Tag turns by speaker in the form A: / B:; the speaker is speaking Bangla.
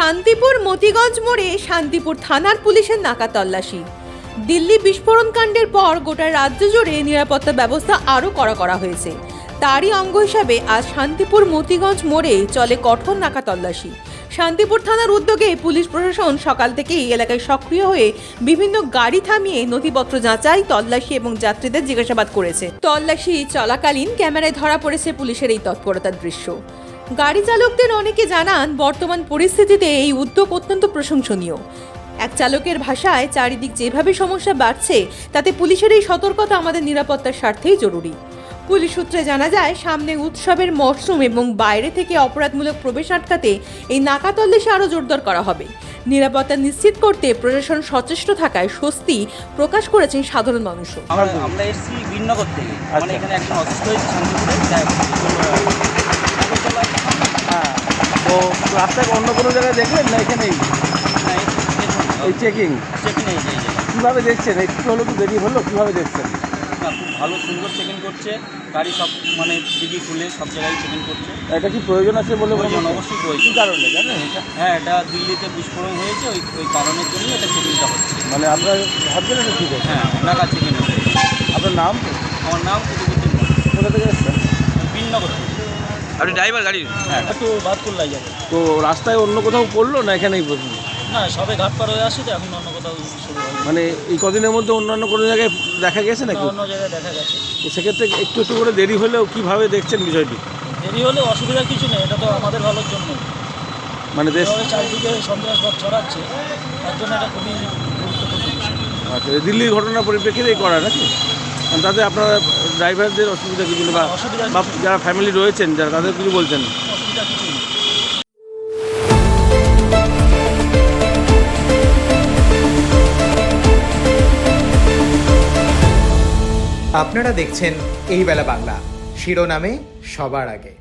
A: শান্তিপুর মতিগঞ্জ মোড়ে শান্তিপুর থানার পুলিশের নাকা তল্লাশি। দিল্লি বিস্ফোরণ কাণ্ডের পর গোটা রাজ্য জুড়ে নিরাপত্তা ব্যবস্থা আরও কড়া করা হয়েছে। তারই অঙ্গ হিসাবে আজ শান্তিপুর মতিগঞ্জ মোড়ে চলে কঠোর নাকা তল্লাশি। শান্তিপুর থানার উদ্যোগে পুলিশ প্রশাসন সকাল থেকেই এলাকায় সক্রিয় হয়ে বিভিন্ন গাড়ি থামিয়ে নথিপত্র যাচাই, তল্লাশি এবং যাত্রীদের জিজ্ঞাসাবাদ করেছে। তল্লাশি চলাকালীন ক্যামেরায় ধরা পড়েছে পুলিশের এই তৎপরতার দৃশ্য। গাড়ি চালকদের অনেকে জানান, বর্তমান পরিস্থিতিতে এই উদ্যোগ অত্যন্ত প্রশংসনীয়। এক চালকের ভাষায়, চারিদিক যেভাবে সমস্যা বাড়ছে তাতে পুলিশের এই সতর্কতা আমাদের নিরাপত্তার স্বার্থেই জরুরি। পুলিশ সূত্রে জানা যায়, সামনে উৎসবের মরশুম এবং বাইরে থেকে অপরাধমূলক প্রবেশ আটকাতে এই নাকা তল্লাশি আরও জোরদার করা হবে। নিরাপত্তা নিশ্চিত করতে প্রশাসন সচেষ্ট থাকায় স্বস্তি প্রকাশ করেছেন সাধারণ মানুষও।
B: আমরা এসেছি বীরনগর থেকে, মানে এখানে একজন অসুস্থ হয়েছে শান্তিপুরে।
C: হ্যাঁ, তো রাস্তায় অন্য কোনো জায়গায় দেখলেন না? এখানেই এই চেকিং
B: এই যে
C: কীভাবে দেখছেন? একটু হলো তো দেরি হলো, কীভাবে দেখছেন?
B: না, খুব ভালো সুন্দর চেকিং করছে, গাড়ি সব মানে ডিগি খুলে সব জায়গায় চেকিং করছে।
C: এটা কি প্রয়োজন আছে বলে
B: প্রয়োজন, অবশ্যই প্রয়োজন।
C: কী কারণে জানেন এটা?
B: হ্যাঁ, এটা দিল্লিতে বিস্ফোরণ হয়েছে, ওই কারণের জন্য এটা চেকিংটা হচ্ছে।
C: মানে আপনারা ভাবছেন এটা ঠিক আছে?
B: হ্যাঁ, নাকা চেকিং হচ্ছে।
C: আপনার নাম?
B: আমার নাম কুতুবুদ্দিন।
C: কোথা থেকে এসছেন?
B: বীরনগর থেকে।
C: আপনি ড্রাইভার গাড়ির?
B: হ্যাঁ, একটু বাদকুল্লায় যাবে।
C: তো রাস্তায় অন্য কোথাও পড়লো না এখানেই পড়লো?
B: না, সবে ঘাট পার হয়ে আসি তো, এখন অন্য কোথাও শুরু হয়।
C: মানে এই কদিনের মধ্যে অন্যান্য কোনো জায়গায় দেখা গেছে নাকি?
B: অন্য জায়গায় দেখা গেছে।
C: তো সেক্ষেত্রে একটু একটু করে দেরি হলেও কীভাবে দেখছেন বিষয়টি?
B: দেরি হলে অসুবিধার কিছু নেই, এটা তো আমাদের ভালোর জন্য।
C: মানে দেশ
B: চারিদিকে সন্ত্রাসবাদ ছড়াচ্ছে, তার জন্য এটা খুবই গুরুত্বপূর্ণ বিষয়।
C: আচ্ছা, দিল্লির ঘটনার পরিপ্রেক্ষিতেই করা নাকি? তাতে আপনারা ড্রাইভারদের অসুবিধা কিছু নেই, বা যারা ফ্যামিলি রয়েছেন যারা, তাদের কিছু বলছেন?
B: অসুবিধা কিছু নেই।
D: আপনারা দেখছেন এই বেলা বাংলা, শিরোনামে সবার আগে।